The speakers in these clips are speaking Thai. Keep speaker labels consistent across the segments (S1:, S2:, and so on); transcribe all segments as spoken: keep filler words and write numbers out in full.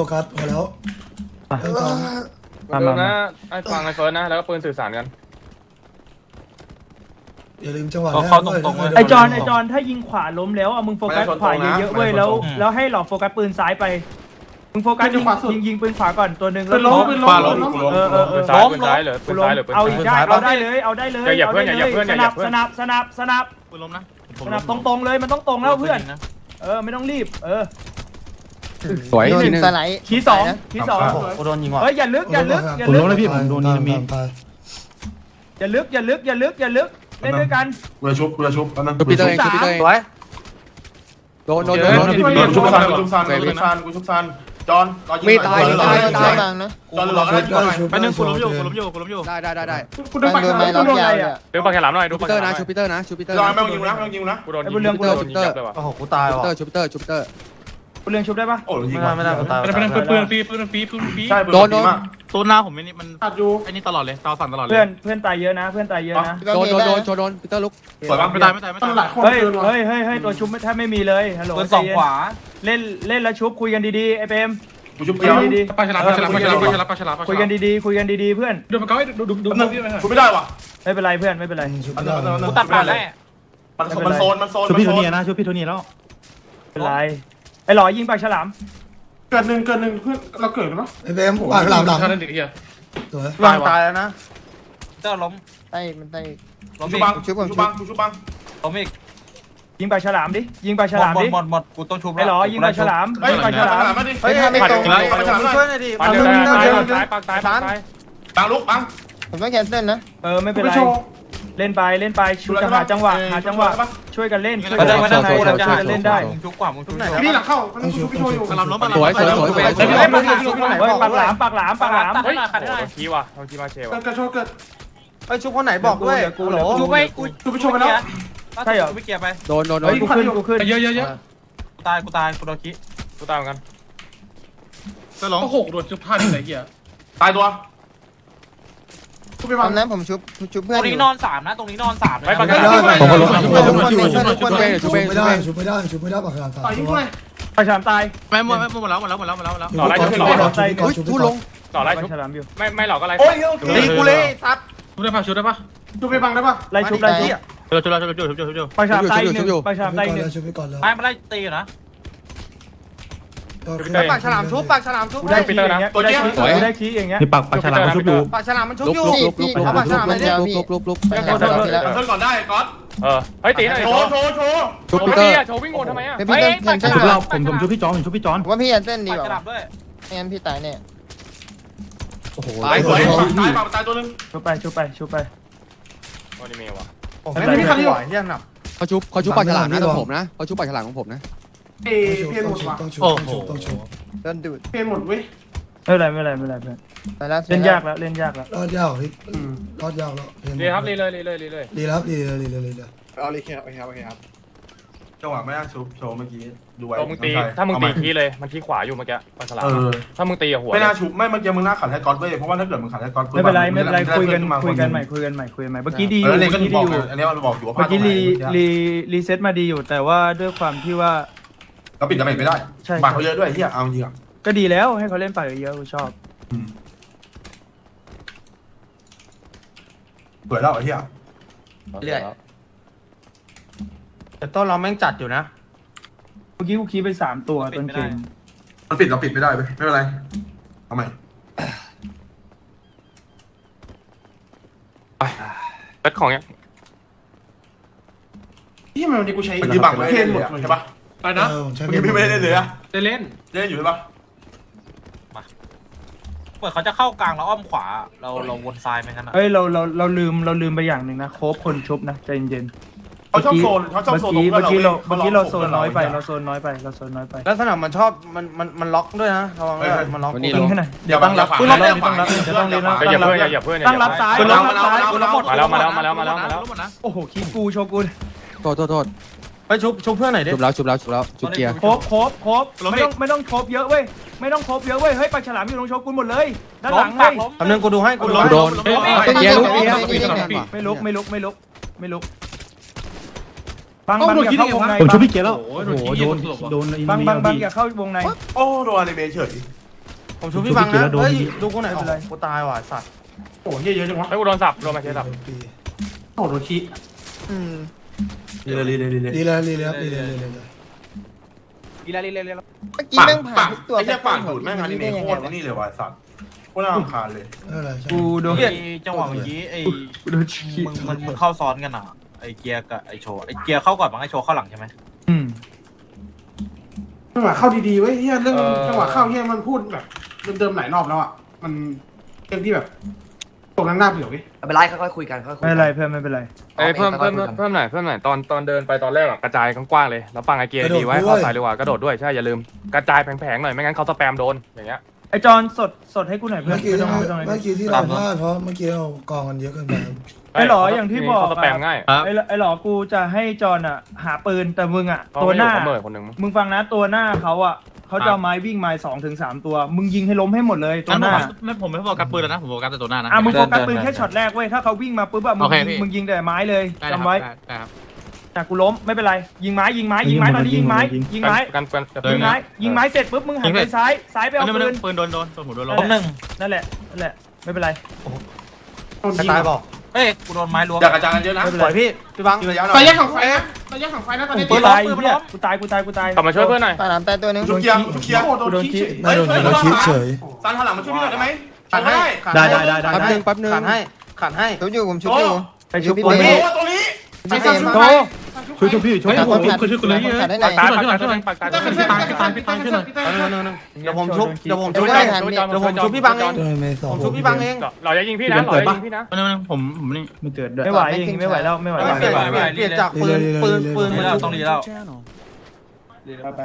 S1: กัสพอแล้ว
S2: มานะไอ้ฟังไอ้เฟิร์สนะแล้วก็ปืนสื่อสารกัน
S1: อย่าลืมจังหวะ
S3: เขาตรงๆ
S4: ไอจอนไอจอนถ้ายิงขวาล้มแล้วเอามึงโฟกัสขวาเยอะๆเว้ยแล้วแล้วให้หลอกโฟกัสปืนซ้ายไปมึงโฟกัสยิงยิงยิงปืนขวาก่อนตัวหนึ่งแล้วล้ม
S3: ขวาล้ม
S4: เออเออเอ
S2: ปื
S4: อน
S2: ซ้ายปืนซ้ายเหรอปืนซ้ายหรือปืน
S4: เอาอีกได้เอาได้เลยเอาได้เลยสนับสนับสนับสนับ
S3: ปืนล้มนะ
S4: สนับตรงๆเลยมันต้องตรงแล้วเพื่อนเออไม่ต้องรีบเออ
S5: สวยทีนึง
S4: ทีสองทีสอง
S3: โดนยิงว่ะ
S4: เฮ้ยอย่าลึกอย่าลึกอย่า
S6: ผม
S4: ลึ
S6: ล้
S4: ก
S6: มแล้วพี่ผมโดนนิมิต
S4: อย่าลึกอย่าลึกอย่าลึกอย่าลึกเล่นด้วยกัน
S7: กูจะชุบกูจะชุบแป๊บนึง
S5: ชุบปีเตอร์เองชุบปีเตอร์เอง
S3: สวย
S5: โดนโดนโดนโดน
S7: กูชุบซันกูชุบซันกูชุบซันกูชุบซันจอนรอยิง
S5: มีตายมีตายมีตาย
S7: จอนรอก็ได้ชุบหน่อย
S3: ไปหนึ่งกูล้มอยู่กูล้มอยู่กูล้มอยู่
S5: ได้ได้ได้ได้
S4: กูโดนโดนไหมล็อกยาวอ่ะ
S2: ดูปากฉลามหน่อยดู
S5: ชุบ
S2: ปา
S5: ปี
S2: ก
S5: เต
S2: ฉ
S5: อร์
S2: ลาม
S5: นะชุบปีเตอร์นะชุบปีเตอร์
S7: จอนไม่ต้องยิงนะไม่ต้องยิงนะ
S2: กูโดนยิงกูโดนยิงยับเลยว่ะ
S3: โอ้โหกูตาย
S5: ชุบ
S3: ว่ะ
S5: ปีเตอร์ชุบปีเตอร์ชุบปีเตอร์
S4: กูเลี้ยงชุบได้ปะ
S7: โอ้ยิง
S3: ไม่ได้ไม่ได้กูตาย
S6: เป็นเป็นปืนฟรีปืนฟรีปืนฟรี
S7: ใช่
S5: โดนโดน
S3: ตัวหน้าผมนี่มัน
S7: ตัดอยู่
S3: ไอ้นี่ตลอดเลยตาสั่นตลอดเลย
S4: เพื่อนเพื่อนตายเยอะนะเพื่อนตายเยอะนะ
S5: โดนโดนโดนโชว์โดนปีเตอร์ลุก
S7: สวยบ้าง
S3: ไม่ตายไม่ตายไม่ตาย
S4: เฮ้ยเฮ้ยเฮ้ยเฮ้ยตัวชุบแทบไม่มีเลยฮัลโหล
S3: ปืนสองขวา
S4: เล่นเล่นแล้วชุบคุยกันดีๆไอเปม
S7: กูชุบ
S4: คุ
S7: เดี
S4: ย
S7: ยว
S4: กันดี
S6: ปลาฉลามปลาฉลามปลาฉลามปลาฉลามปลาฉลาม
S4: ๆคุยกันดีๆคุยกันดีๆเพื่อน
S6: ดูมันก็ให้ดูดูดู
S7: แป๊บนึง
S6: พี่ไป
S7: กูไม่ได้ว่ะ
S4: ไม่เป็นไรเพื่อนไม่เป็นไร
S3: กูตัดผ่านแล้ว
S7: มันมันโซนมันโซน
S6: ช่วยพี่โทนี่นะช่วยพี่โทนี่แล้ว
S4: ไม่เป็นไรไอ้หล่อยิงปากฉลาม
S7: เกิดหนึ่งเกิดหนึ่งเพื่อนเราเกิดแล้ว
S1: ไอ้เบมปากหลังหลัง
S6: ท่านั่นเด็กเหี้ย
S1: สวย
S3: วางตายแล้วนะเจ้าล้ม
S8: ใต้มันใต้
S3: ล้ม
S7: ชุ
S3: อี
S7: บ
S3: ก
S7: บังชุบบังชุบบัง
S3: ล้มอีก
S4: ยิงปากฉลามดิยิงปากฉลาม
S3: หมด
S4: ดิ
S3: หมดหมดกูต้องชุบ
S4: ไอ้หล่อยิงปากฉลาม
S7: เฮ้ย
S4: ยิงปากฉลาม
S7: มาดิ
S8: เฮ้ยถ้าไม่ตรง
S3: ช่วยหน่อยดิ
S2: ปากเดียวตายปากตายปากตายปากตาย
S7: บังลุกบัง
S8: ผมต้องแคนเซิลนะ
S4: เออไม่เป็นไรเล่นไปเล่นไปชูจะหาจังหวะหาจังหวะช่วยกันเล่นช่วย
S3: ไม่
S4: กั
S3: ได้
S4: น
S3: ไม่
S4: เล่
S3: ได้
S4: น
S3: กู
S4: ได้
S3: จะ
S4: ช่ว
S3: หาย
S4: กันเล่นได้
S3: มึงชุบกว่ามึงชุบไหน
S7: พี่หลังเข้าพี่ชุบพี่โชอยู่
S3: กำลังล้มกำลัง
S5: สวยสวยสวยสวย
S4: เฮ้ยปากหลามเฮ้ยปากหลามปากหลามปากหลาม
S2: เฮ้ยโอ้ทีว่ะโดนทีมาเชว่ะ
S7: กระโชกเกิด
S3: เฮ้ยชุบคนไหนบอกด้วย
S4: กูเหรอ
S3: ชุบไปกู
S7: ชุบพี่โชไปแล้ว
S4: ใช่เหรอ
S3: ไม่เกียร์ไป
S5: โดนโดนโด
S4: เฮ้
S5: น
S4: ยกูขึ้นกูขึ้น
S6: เยอะเยอะเยอะ
S3: กูตายกูตายกูโดนคิ
S2: กูตายเหมือนกัน
S3: ก็ล้ม
S6: โอ้โหโดนจุดพลาดที่ไหนเหี้ย
S7: ตายตัวชุบไป
S8: ต
S7: บั
S8: อง นนั้นผมชุบชุบ
S3: ต
S8: เพื่อ
S3: ร
S8: น
S3: งนี้นอนสามนะตรงนี้นอนสาม
S2: ไม่ปากฉ
S1: ไม่
S2: ลาม
S1: ได้
S6: ผมก็ล้ม
S8: ชุบเพื่อนชุบ
S5: ชุบ
S8: เพื่อน
S5: เองชุบเอง
S1: ชุ
S5: ชุ
S1: บบ ไม่
S5: เอง
S1: ได้ชุบไม่ได้ชุบไม่ได้ปากหลัง
S7: ต่อยยิงด้วย
S4: ปากฉลามตาย
S3: ไม่หมดไม่หมดแล้วหมดแล้วหมดแล้วหมดแล้วหมดแล้ว
S2: ต่อไล่ชุบต่อ
S5: อุ้ยทุลง
S2: ต่อไล่
S4: ปา
S2: ชุบ
S4: กฉลามอยู่
S2: ไม่ไม่หลอกก็ไล่
S7: โอ้ยโอเค
S3: ตีกูเลยซัด
S6: ชุดได้ปะชุดได้ปะ
S7: ชุบไปบังได้ปะ
S4: ไล่ชุบไล่ชุบ
S3: ชุบชุบชุบชุบชุบชุบชุบ
S4: ปากฉลามตายหนึ่งปากฉลามตายหนึ่ง
S1: ชุบไปก่อนเลย
S3: ไม่ไม่ได้ตีนะ
S1: ปากฉลามชุบปาก
S4: กูได้คีอย่างเงี้ยกูได้คีกูได้คีอย่างเงี้ย
S6: นี่ปากปากฉลามชุบดู
S5: ลุกลุกลุกลุกลุกลุกลุกลุกลุกลุก
S8: ไปแคนเซิลทีละ
S7: เพิ่นก่อนได้ก๊อต
S2: เออเฮ้ยตีหน่อย
S7: โช
S2: โช
S7: ว์
S2: ว์
S7: โชว์โชว์
S5: ชุบ
S2: โช
S5: ปี
S2: ว์
S5: เตอ
S2: พี่
S5: ร์
S2: อะโชว์วิ่งวนทำไมอะ
S8: พี่เต้นแคนเซิล
S6: ชุบเราผมผมชุบพี่จอนผมชุบพี่จอน
S8: ว่าพี่แคนเซิลดีกว่า
S3: ฉลามด้วย
S8: ไม่งั้นพี่ตายแน่
S6: โอ้โห
S7: ตายสวยตายเปล่าตายตัวนึง
S4: ชุบไปชุบไปชุบไป
S2: โอนิเมะว่ะ
S7: ไม่มีใครที่ไหวเฮียหนัก
S5: เขาชุบเขาชุบปากฉลามนะของผมนะเขาชุบปากฉลามของผมนะ
S7: เอเพี้ยนหมดว่ะ
S1: ต้องชุบต้องชุบต้องชุบ
S8: โดนดูด
S7: เพี้ยนหมดเว้ย
S4: ไม่เป็นไรไม่เป็นไรไม่เป็นไรเพื่อน
S8: ไปแล้ว
S4: เล่นยากแล้วเล่นยากแล้ว
S1: รอดยากพี่รอดยากแล้ว
S2: รีครับรีเลยรีเลยรีเลย
S1: ดีแล้วดีเลยดีเลยดีเลย
S7: เอาเลยครับโอเคครับโอเคครับจังหวะไม่น่าชุบโชว์เมื่อกี้ดูไว้
S2: โอ้มึงตีถ้ามึงตีทีเลยมันทีขวาอยู่เมื่อกี้ปากฉลาม
S7: เออ
S2: ถ้ามึงตีอะหัว
S7: ไม่น่าชุบไม่เมื่อกี้มึงน่าขัดให้ก๊อตเว้ยเพราะว่าถ้าเกิดมึงขัดให้ก๊อต
S4: ไม่เป็นไรไม่เป็นไรคุยกันคุยกันใหม่คุยกันใหม่คุยกันใหม่เมื่อกี้ดีอ
S7: เอยู่ อ
S4: เมื่
S7: เนี่ย
S4: อ
S7: ก็
S4: กี้
S7: บ
S4: ดี
S7: อก
S4: อยู่
S7: อันนี้เราบอกอยู่ว่าพ
S4: เมื่
S7: ลา
S4: อ
S7: ด
S4: กี้รีรีรีเซ็ตมาดีอยู่แต่ว่าด้วยความที่ว่า
S7: เราปิดจะปิดไม่ได้บาดเขาเยอะด้วยเฮียเอาจริงอ่ะ
S4: ก็ดีแล้วให้เขาเล่นปากเยอะๆกูชอบ
S7: เปิดแล้วไอ้เฮีย
S3: เรื่อยแต่ต้นเราแม่งจัดอยู่นะ
S4: เมื่อกี้กูคีไปสามตัวต้นเกม
S7: มันปิดเราปิดไม่ได้ไปไม่เป็นไรเอาใหม่
S2: เปิดของยัง
S7: ที่มันดีกูใช้ยืมบังเพี้ยนหมดใช่ปะ
S6: ไปนะ
S1: เออใช่
S7: เมื่อกี้พี่ไม่ได้เล่นเลยอะ
S6: ได้เล่น
S7: เล่นอยู่ใช่ปะ
S3: เหมือนเขาจะเข้ากลางแล้วอ้อมขวาเราเราวนซ้ายไหมกันนะ
S4: เฮ้ยเราเราเราลืมเราลืมไปอย่างหนึ่งนะโคบคนชุบนะใจเย็น
S7: เขาชอบโซนเขาชอบ
S4: เมื่อ
S7: โซน
S4: กี้เมื่อกี้เราเมื่อกี้เราโซนน้อยไป
S7: เรา
S4: เราโซนน้อยไปเราโซนน้อยไป
S3: แล้วสนามมันชอบมันมันมันล็อกด้วยนะระวังด้วยมันล็อก
S4: ยิงให้หน่อย
S7: เดี๋ยวตั้งรับ
S4: กูรับต้องรับเดี๋ยวต้องเล่น
S2: อย่าเพิ่งอย่าเพิ่ง
S4: ตั้งรับซ้าย
S3: คุณ
S4: ตั้
S3: ล็อง ก
S4: รับซ้าย
S3: คุณล็อกหมด
S2: มาแล้วมาแล้วมาแล้วมาแล้วมาแล้ว
S4: โอ้โหคีกูโชกุน
S5: โทษโทษโทษ
S3: ไปชุบชุบเพื่อนหน่อยดิ
S5: ชุบแล้วชุบแล้วชุบแล้วชุบเกียร์
S4: โคบโคบโคบไม่ต้องไม่ต้องโคบเยอะเว้ยไม่ต้องโคบเยอะเว้ยเฮ้ยปลาฉลามอยู่ตรงโชกุนหมดเลยด้านหลังเฮ้ย
S3: คำนึงกูดูให้กู
S5: โดนเกียร์ลุกเกียร์
S4: ไม่ลุกไม่ลุกไม่ลุกไม่ลุกบังบังอย่าเข้าวงใน
S6: ผมชุบพี่เกียร์แล้วโอ้โหโดนโดน
S4: บังบังบังอย่าเข้าวงใน
S7: โอ้โดนอนิเมะเฉย
S3: ผมชูพี่บังนะเฮ้ยดูกูไหนอยโอ้กูตายว่ะสัตว์
S6: โอ้ยเยอะจังวะ
S2: ไอ้กูโดนสับโดนมาเชสับ
S1: ปี
S6: โอ้โดนขี้
S8: อืม
S7: ดีเลยดีเลยดีเลย
S1: ดีเลยดีเลยครับดีเลยดีเลยดีเลย
S3: อีลาลีเลยเลย
S8: เมื่อกี้
S7: ปาก
S8: แม่งผ่า
S7: ปาน ก
S8: ทุกตัว
S7: ไอ้แค่ปาก
S8: ไป
S7: ดูดแม่งอันนี้
S8: ได้ยัง
S7: โค
S8: ไง
S7: ตร
S8: วะ
S7: นี่เลยว่ะสัตว์โคตรน่ารำคาญเลย
S1: ไม่เป็นไรใช่
S4: กูโดน
S3: ไอ้จังหวะเมื่อกี้ไอ้
S4: กูโดนฉีด
S3: มึงมึงมึงเข้าซ้อนกันอ่ะไอ้เกียร์กับไอ้โชว์ไอ้เกียร์เข้าก่อนมั้งไอ้โชว์เข้าหลังใช่ไหม
S4: อืม
S6: จังหวะเข้าดีๆเว้ยเฮียเรื่องจังหวะเข้าเฮียมันพูดแบบเดิมๆหลายรอบแล้วอ่ะมันเรื่องที่แบบตกนั่งหน้าเบื่อเว้ย
S9: ไม่เป็นไรค่อยๆคุยกันค่อยๆคุย
S4: ไม่
S9: กั
S4: เป็นไรเพื่อนไม่เป็นไร
S2: ไอ้ยเพิ่มเพิ่มเพิ่มหน่อยเพิ่มหน่อยตอนตอนเดินไปตอนแรกอะกระจายกว้างๆเลยแล้วฟังไอเกียร์ดีไว้เข้าใส่ดีกว่ากระโดดด้วยใช่อย่าลืมกระจายแผงๆหน่อยไม่งั้นเขาสแปมโดนอย่างเงี้ย
S4: ไอจอนสดสดให้กูหน่อยเพื่อ
S1: เมื่
S4: น
S1: อกี้
S4: ไม่ต้องไม่ต้อง
S1: เมื่อกี้ที่เราพลาดเพราะเมื่อกี้เรากองกันเยอะเกินไป
S4: ไอหลออย่างที่บอก
S2: เขาสแปมง่าย
S4: ไอไอหลอกูจะให้จอนอ่ะ หาปืนแต่มึงอ่ะ
S2: เขา
S4: ตัว
S2: ไม่
S4: ห
S2: อยู่
S4: น้า
S2: เขาเหม่อคนหนึ่ง
S4: มึงฟังนะตัวหน้าเขาอ่ะเขาจะเอาไม้วิ่งไม้สองถึงสามตัว มึงยิงให้ล้มให้หมดเลยตัวหน้า
S6: ไม่ผมไม่โฟกัสปืนแล้วนะผมโฟกัสแต่ตัวหน้านะ
S4: อ่ะมึงโฟกัสปืนแค่ช็อตแรกเว้ยถ้าเขาวิ่งมาปุ๊บอะมึง
S6: โอเค
S4: ยิง
S6: พี่
S4: มึงยิงแต่ไม้เลยจำไว้
S6: ได้ครับ
S4: อ่ะกูล้มไม่เป็นไร ยิงไม้ยิงไม้ยิงไม้ตอนนี้ยิงไม้ยิงไม้
S2: กันกัน
S4: ยิงไม้ยิงไม้เสร็จปุ๊บมึงหันไปซ้ายซ้ายไปเอาปืน
S6: ปืนโดนโดนโดนหัวโดนล
S3: ล้มหนึ่ง
S4: นั่นแหละนั่นแหละไม่เป็นไร
S3: ตายบอกเฮ้ยกูโดนไม้ล้วง
S7: อยากกระจายกันเยอะนะ
S3: ปล่อยพี่พี่บัง
S7: ยืนระยะหน่
S6: ต
S7: อ
S6: อน
S7: ย
S6: แยกของไฟนะตอนแยกของไฟนะตอนนี้
S4: กู
S3: ปืน
S4: ตาย
S3: ล้มปืน
S4: เหี้ย
S3: ล้ม
S4: กูตายกูตายกูตาย
S2: กลับมาช่วยเพื่อนหน่อย
S8: ตาน้ำแต่ตัวหนึง
S7: ลูกเกียร์ลูกเกียร์
S6: โดนขี้
S1: ไม่โดนโดนคิดเฉย
S7: ซันหันหลังมาช่วยพี่หน่อยได้ไหม
S3: ขันให้
S6: ได้ได้ได้ได้
S5: แป๊บนึงแป๊บนึง
S3: ขันให้ขันให้
S8: ชุบอยู่ผมชุบอยู่
S4: ไปชุบ
S8: พี่
S4: ปืน
S8: เต้
S7: โอ้ตัวนี้
S8: พี่เต้
S4: โต
S6: ช่วยช่วยพี่ช่วยผมช่วยช่วยคุณเลย
S8: ขาดได้ไหน
S2: ปากตายปากตายปากตาย
S6: พี่ตายพี่ตายพี่ตายช่วยหน่อย
S3: เดี๋ยวผมชุบเดี๋ยวผม
S8: เดี๋
S3: ชุ
S8: ยว
S3: บ
S8: ไม่
S3: ให้
S8: ทัน
S3: เดี๋ยวผมชุบพี่บังเอง
S1: โดนเมย์สอง
S3: ผมชุบพี่บังเอง
S2: เราจะยิงพี่นะเราจะยิงพี่นะ
S6: ไม่ไม่ผมผมนี่
S4: ไม่เกิดด้วยไม่ไหวอย่างงี้ไม่ไหวแล้วไม่ไหว
S3: ไม่
S4: แล้ว
S3: เปลี่ยนเปลี่ยนเปลี่ยนจากปืนปืนปืนมาแล้วต้องรีแล้ว
S4: ไปไป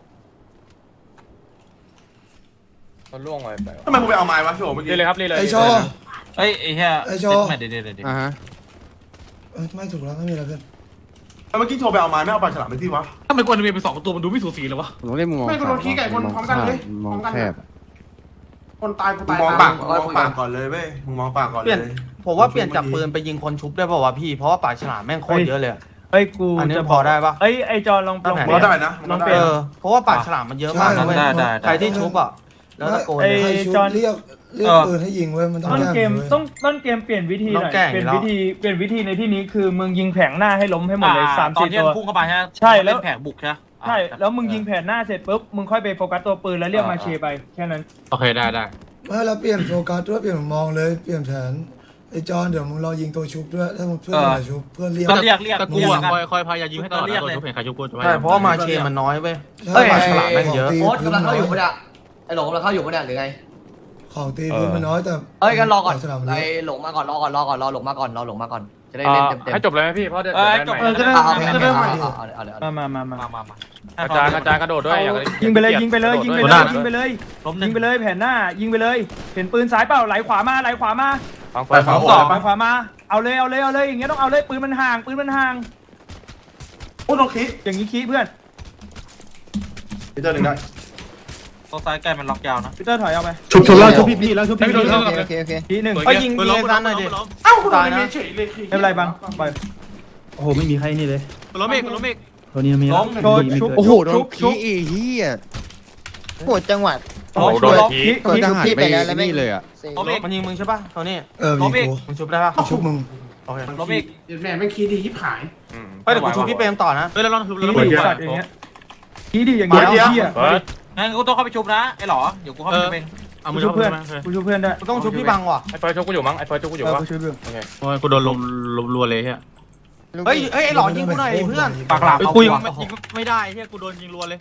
S2: เขาล่วงไปไป
S7: ทำไมกูไปเอาไม้วะโชว์เมื่อกี้
S2: รีเลยครับรีเลย
S1: ไอโชว์
S3: เฮ้ยไอ้เหี้ย
S1: ไอ้โชว์
S3: เดี๋ยวเดี๋ยวเดี๋ยว
S5: อ่าฮะ
S1: เอ้ยไม่ถูกแล้วไม่มีอะไรเพื่อน
S7: เมื่อกี้โชว์ไปเอาไม้ไม่เอาปลาฉลามไปที่วะ
S6: ทำไมกวนเมียเป็นสองตัวมันดูไม่สูสีเลยวะ
S5: ผมต้องเล่นมุมมอง
S6: ไม่กูโดนขี้ไก่คนพร้อมกันเลย
S5: มอง
S6: พร้อมกัน
S5: แคบ
S6: คนตายกู
S7: มึ
S6: ตาง ย
S7: มองปากมึงมองปากก่อนเลยเว้ยมึงมองปากก่อน
S3: เป
S7: เล
S3: ลี่ยน
S7: ย
S3: ผมว่าเปลี่ยนจากปืนไปยิงคนชุบได้ป่าวะพี่เพราะว่าปากฉลามแม่งโคตรเยอะเลย
S4: เฮ้ยกู
S3: อันนี้
S4: จะ
S3: พอได้ปะ
S4: เอ้ยไอจอนลองลอง
S3: ได้
S4: เป
S7: มัน
S4: ลี่ยน
S7: ได้นะมัน
S3: เอ
S7: ได้
S3: อเพราะว่าปากฉลามมันเยอะมากนะเว้ย
S7: ได้ได้
S3: ใครที่ชุบอ่ะแล้วตะโกน
S4: ไอ้
S1: ใครชุบ
S4: จอน
S1: เรียกเรียกปืนให้ยิงเว้ยมันต้อง
S4: ต้น
S1: แก้
S4: เกม
S1: เว้ย
S4: ต้องต้นเกมเปลี่ยนวิธีหน่อย
S3: ต้องแก้
S4: เปลี่ยน
S3: อยู่แล้ว
S4: วิธีเปลี่ยนวิธีในที่นี้คือมึงยิงแผงหน้าให้ล้มให้หมดเลยสาม
S3: ตอน
S4: สี่
S3: ที่
S4: ตัว
S3: พุ่งเข้าไปใช่ไหม
S4: ใช่แล้ว
S3: เนแผงบุกใช่ไหม
S4: ใช่แล้วมึงยิงแผนหน้าเสร็จปุ๊บมึงค่อยไปโฟกัสตัวปืนแล้วเรียกมาเชไปแค่นั้น
S6: โอเคได้ได้
S1: ไม่แล้วเปลี่ยนโฟกัสด้วยเปลี่ยนมุมมองเลยเปลี่ยนแผนไอจอนเดี๋ยวมึงรอยิงตัวชุบด้วยถ้ามึงเพื่อนมาชุบเพื่อนเรียก
S3: ก็เรียกเรียก
S6: แต่กู
S3: กู
S6: อ่ะ
S3: อ่ะ
S6: คอยคอยพยายามยิงให้ตลอดนะตัวชุบเห็นใครชุบกูจะ
S3: ใช่เพราะว่ามาเชมันน้อยเว้ย
S1: ใช่
S3: ปลาฉลามแม่งเยอะ
S1: ข
S9: โอ๊ต
S1: ตี
S9: กำลังเข้าอยู่
S1: พื้
S9: ปะเนี่ยไอ้หลงกำลังเข้าอยู่ปะเนี่ยหรือไง
S1: ของตีพื้นมันน้อยแต่
S9: เอ้ยกันรอก่อน
S1: สนาม
S9: ไอ้
S1: เยอะ
S9: หลงมาก่อนรอก่อนรอก่อนรอหลงมาก่อนรอหลงมาก่อนจะได้
S2: อ่า
S9: เล่นเต็มเต็ม
S2: ให้จบเลยไหมพี่เพราะเดี๋ยว
S3: เอ้ย
S2: เดี๋ยว
S3: จบ
S2: ได้
S3: เอ
S2: ใหม่
S3: อจะได้
S9: เอาเอาเอาเอาเอาเอาเอา
S4: มามามา
S3: มามามา
S2: กระจายกระจายกระโดดด้วยอย่าง
S4: ยิงไปเลยยิงไปเลยยิงไปเลยยิงไปเลย
S3: ล้มหนึ่
S4: ยิ
S3: ง
S4: งไปเลยแผนหน้ายิงไปเลยเห็นปืนซ้ายเปล่าไหลขวามาไหลขวามา
S2: ฟังไฟ
S7: ไปขวา
S2: ฟัง
S7: หัว
S4: ไหลขวามาเอาเลยเอาเลยเอาเลยอย่างเงี้ยต้องเอาเลยปืนมันห่างปืนมันห่าง
S7: โอ้โดนคิด
S4: อย่างงี้ขี้เพื่อน
S7: พีเตอร์หนึ่งได้
S3: ตัวซ้ายใกล้มันล็อกยาวนะ
S4: พีเตอร์ถอยเอาไป
S6: ชุบชุบแล้วชุบพี่พี่แล้วชุบพี่พี่
S8: โอเคโอเคโอเค
S4: ทีหนึ่ง
S3: เอ้ยยิงยิงไอ้ซันหน่อยดิ
S6: เอ้ากูโดนเมียเฉยเลย
S4: ไม่เป็นไรบังไป
S6: โอ้โหไม่มีใครนี่เลยล้มอีกล้มอีกตัวนี้มี
S3: ล้ม
S4: โชว์ชุบ
S5: โอ้โหโด
S4: ชุ
S5: น
S4: บชุ
S5: ขี้
S4: บ
S5: อีเหี้ย
S8: โหดจังหวัด
S2: โอ้โหโดนที
S4: ขี้
S8: กด
S4: ขี้
S8: ชุบพี่
S5: ไป
S8: ไปแล้วแล้วไม่
S5: นี่เลยอ่ะ
S3: ล้มอีกมันยิงมึงใช่ป่ะโทนี่
S1: เออ
S3: ล้
S1: ยิ
S3: ม
S1: ง
S3: อีก
S1: กู
S3: มึงชุบได้ป่ะ
S1: ชุบมึง
S3: โอเคล้มอีก
S6: แม่ไม่คีดียิบหาย
S3: เฮ้ยเดี๋ยวกูชุบพี่เปรมต่อนะ
S6: เฮ้ยแล้วลองชุบ
S4: ขี้
S6: แล้ว
S4: ดิ
S6: เปิด
S4: สัตว์อย่างเงี้ยขี้ดิอย่างเงี้ยเหี้ย
S2: เปิด
S3: งั้นกูต้องเข้าไปชุบนะไอ้หรอเดี๋ยวกูเข้าไปชุบเอง
S6: เอา
S4: กู
S6: มือ
S4: ช่
S6: ชุ
S4: วย
S6: บ
S4: เพื่
S6: เพื่
S4: อ
S6: อน น
S4: กูช่วยเพื่อนได้
S3: กูต้องชุบพี่บังว่ะ
S2: ไอ้เฟิร์สชกกูอยู่มั้งไอ้เฟิร์สชกกูอยู่
S4: เออ
S2: วะ
S4: กูช่วยเพื่อน
S2: โอเค
S6: โอ้ยกูโดนลมลมรัวเลยเฮีย
S3: เฮ้ยเฮ้ยไอ้หลอยิงกูหน่อยเพื่อนปากหลาบ
S6: เฮ้ย
S3: เอา
S6: กู
S3: กู
S6: ยิง
S3: ว่ะ
S6: ยิงไม่ได้เฮียกูโดนยิงรัวเลย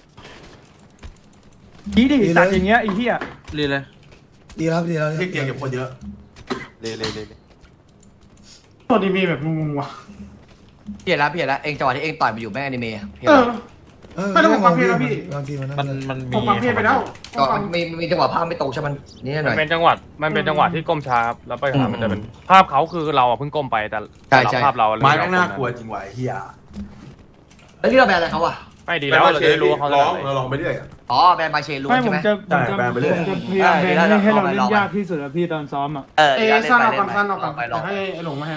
S4: ขี้ดิสัตว์อย่างเงี้ยไอ้เหี้ย
S3: รีเลย
S1: ดีแล้วดีแล้ว
S7: เรียกเตียงเก็บคนเยอะ
S3: เลยเลยเลย
S6: ตัวนี้มีแบบงงๆว่ะ
S9: พี่เห็นแล้วพี่เห็นแล้วเองจังหวะที่เองต่อยไปอยู่แม่อนิเมะเห็น
S6: เอ
S9: แล้
S6: อ
S9: ว
S1: เออ
S6: ไม่ต้องฟังเพลงนะพี่
S1: บางทีมัน
S3: มันมันมี
S6: ผมฟังเพลงไปแล้ว
S9: ก็มีมีจังหวะภาพไม่ตรงใช่ไหมนี่ห
S2: มั
S9: น่อน ย
S2: เป็นจังหวัดมันเป็นจังหวัดที่ก้มช้าครับแล้วไปหามันจะเป็นภาพเขาคือเราอะเพิ่งก้มไปแต่
S9: ใช่ใช่
S2: ภาพเรา
S7: ไม้แม่งน่ากลัวจริงว่ะไอ้เฮีย
S9: แล้วนี่เราแบนอะไรเขาอ่ะ
S2: ไม่ดีแล้วเราจะได้รู้ว่าเขาจะ
S7: ร้อง
S2: อะไร
S7: เราลองไปเรื่อยอะ
S9: อ๋อแบนมาเชลู
S4: ไม่
S9: ใช่
S4: ผม
S9: ไหม
S4: จะผมจะ
S7: ใช่แบนไปเรื่อย
S4: ผมจะพยายามแบนให้ให้เราเล่นยากที่สุดอะพี่ตอนซ้อมอะ
S9: เออ
S6: เอ
S9: เดี๋ยว
S6: สั้น
S9: เล่
S6: เอา
S9: นไป
S6: ก่อน
S9: เล่น
S6: สั้นเอาก่อน
S9: ไปลอง
S6: ให้ไอ้หลงมาแทน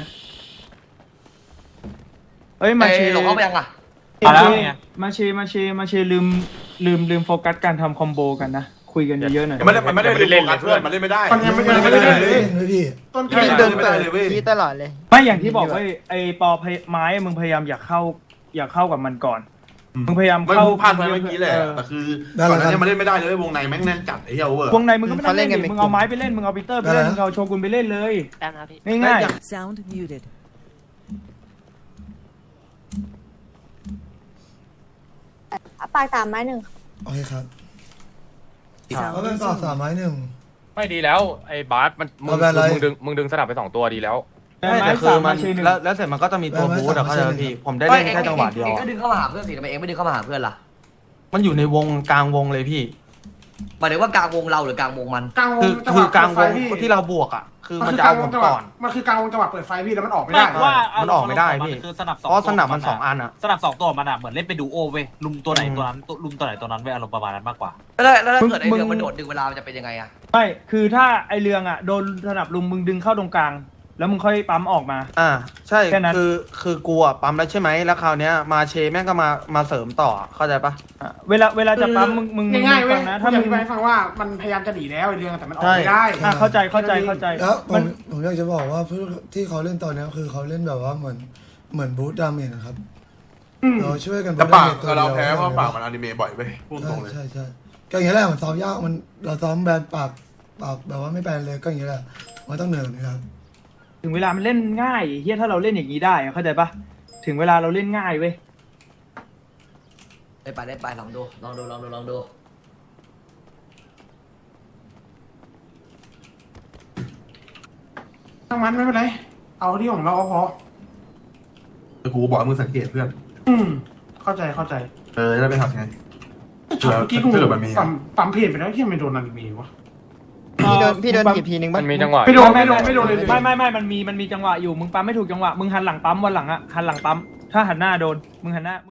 S4: เอ้ยมาเช
S9: เอ้ยหลงเข้าไปยังอ่ะ
S3: เอาแล้วไง
S4: มาเชมาเชมาเชลืมลืมลืมโฟกัสการทำคอมโบกันนะคุคุยกันเยอะๆหน่อย
S7: มันไม่ได้มันไม่ได้เล่นเพื่อนมันเล่นไม่ได้
S6: มันยังไม่
S1: ไม่
S6: ยังไม่
S1: ได้
S6: ได้
S1: เล่
S6: เลย
S1: นเลยพี่
S6: ต้นเก
S8: พี่
S6: ม
S8: เดิน
S7: ไม่
S8: เปิ
S7: ได้
S8: ด
S7: เลยเว้ย
S8: พี่ตลอดเลย
S4: ไม่อย่างที่บอกว่าไอ้ปอพยไม้มึงพยายามอยากเข้าอยากเข้ากับมันก่อนมึงพยายาม
S7: มัน
S4: เข้า
S7: พลาดไปเมื่อกี้แหละแต่คือก่อนหน้านี้มันเล่นไม่ได้เลยวงในแม่งแน่นจัดไอ้เหี้ยโอเวอร์
S4: วงในมึงก็ไม่ต้องเล่นดิมึงเอาไม้ไปเล่นมึงเอาปีเตอร์ไปเล่นมึงเอาโชกุนไปเล่นเลยง่ายๆ
S10: Sound muted.
S11: ปากสามไม้หนึ่ง
S1: โอเคครับ
S10: Sound
S1: เขาเป็นต่อสามไม้หนึ่ง
S2: ไม่ดีแล้วไอ้บาสมันมึง
S1: เอาแบบอะไร
S2: มึงดึงมึงดึงสนับไปสองตัวดีแล้ว
S4: ไม่แต่คือมันแล้ว
S3: แล้วเสร็จมันก็จะมีตัวบูทอะเข้าใจพี่ผมได้
S9: เอ้ย
S3: เล่น
S9: เอง
S3: แค่จังหวะเดียว
S9: เองก็ดึงเข้ามาหาเพื่อนสิทำไมเองไม่ดึงเข้ามาหาเพื่อนล่ะ
S3: มันอยู่ในวงกลางวงเลยพี่
S9: หมายถึงว่ากลางวงเราหรือกลางวงมัน
S6: กลางว
S3: คื
S6: ง
S3: อ
S6: จังห
S3: คื
S6: วะ
S3: อกลางว
S6: เปิด
S3: ง
S6: ไฟพี่
S3: ที่เราบวกอะคือ
S6: มัน
S3: มัน
S6: คือ
S3: จะ
S6: กลา
S3: เอา
S6: งว
S3: ผ
S6: ง
S3: ม
S6: จังหวะ
S3: ก่อน
S6: มันคือกลางวงจังหวะเปิดไฟพี่แล้วมันออกไม่
S3: ไม่
S6: ได้
S3: ว่ามันออกไม่ได้พี่
S12: คือสนับสอง
S3: เพราะสนับมันสองอันอะ
S12: สนับสองตัวมันอ่ะเหมือนเล่นไปดูโอเว้ยลุมตัวไหนตัวนั้นลุมตัวไหนตัวนั้นเว้ยอารมณ์ประมาณนั้นมากกว่า
S9: แล้วแล้วถ้าเกิดไอ
S4: มึง
S9: เดือมันโดดดึงเวลามันจะเป็นยังไงอะ
S4: ไม่คือถ้าไอเรืองอ่ะโดนสนับลุมมึงดึงเข้าตรงกลาง แล้วมึงค่อยปั๊มออกมา
S3: อ่าใช่
S4: แค่นั้น
S3: คือคือกูอะปั๊มแล้วใช่ไหมแล้วคราวเนี้ยมาเชแม่งก็มามาเสริมต่อเข้าใจปะ
S4: อ่ะเวลาเวลาจะปั๊มมึงมึงมึง
S6: ง่ายๆเว้
S4: ฟั
S6: ย
S4: งนะ
S6: ถ้า
S4: ถ้า
S6: มึ
S4: มึ
S6: ง
S4: ง
S6: ไปฟังว่ามันพยายามจะหนีแล้วไอ้เรื่องแต่มันออกไม่ได้
S4: อ่ะเข้าใจเข้าใจเข้าใจ
S1: แล้วผ
S4: มั
S1: ม
S4: น
S1: ผมอยากจะบอกว่าเพื่อที่เขาเล่นตอนเนี้ยคือเขาเล่นแบบว่าเหมือนเหมือนบูทดาเมจนะครับ
S6: อืม
S1: เราช่วยกัน
S7: แต่
S1: บูท
S7: ปา
S1: ดาก เมจตัวเดียว
S7: เราแพ้เพราะปากมันอนิเมะบ่อยเว้ยพูดตรงเลย
S1: ใช่ใช่ก็อย่างนี้แหละมันซ้อมยากมันเราซ้อมแบนปากปากแบบว่าไม่แบนเลยก็อย่างนี้แหละมันต้องเหนื่อยแบบนี้ครับ
S4: ถึงเวลามันเล่นง่ายเฮียถ้าเราเล่นอย่างนี้ได้อะเข้าใจปะถึงเวลาเราเล่นง่ายเว้ย
S9: ได้ไปได้ไปลองดูลองดูลองดูลองดู
S6: ทั้งมันไม่เป็นไร เอาที่ของเราก็พอ
S7: แต่กูบอกให้มึงสังเกตเพื่อน
S6: อืม เข้าใจเข้าใจ
S7: เออจะได้ไปทำไง
S6: ช็อตเมื่อกี้กู
S7: เจอแบบนี้
S6: ปั๊มปั๊มเพจไปแล้วที่มันโดนอนิเมะวะ
S8: พี่โดนพี่โดนถีบทีนึง
S2: มั
S8: ปะ
S2: นมีจังหวะ
S6: ไม่โดนไม่โดนไม่โดนเลย
S4: ไม่ไม่ไม่มันมีมันมีจังหวะอยู่มึงปั๊มไม่ถูกจังหวะมึงหันหลังปั๊มวันหลังอะหันหลังปั๊มถ้าหันหน้าโดนมึงหันหน้า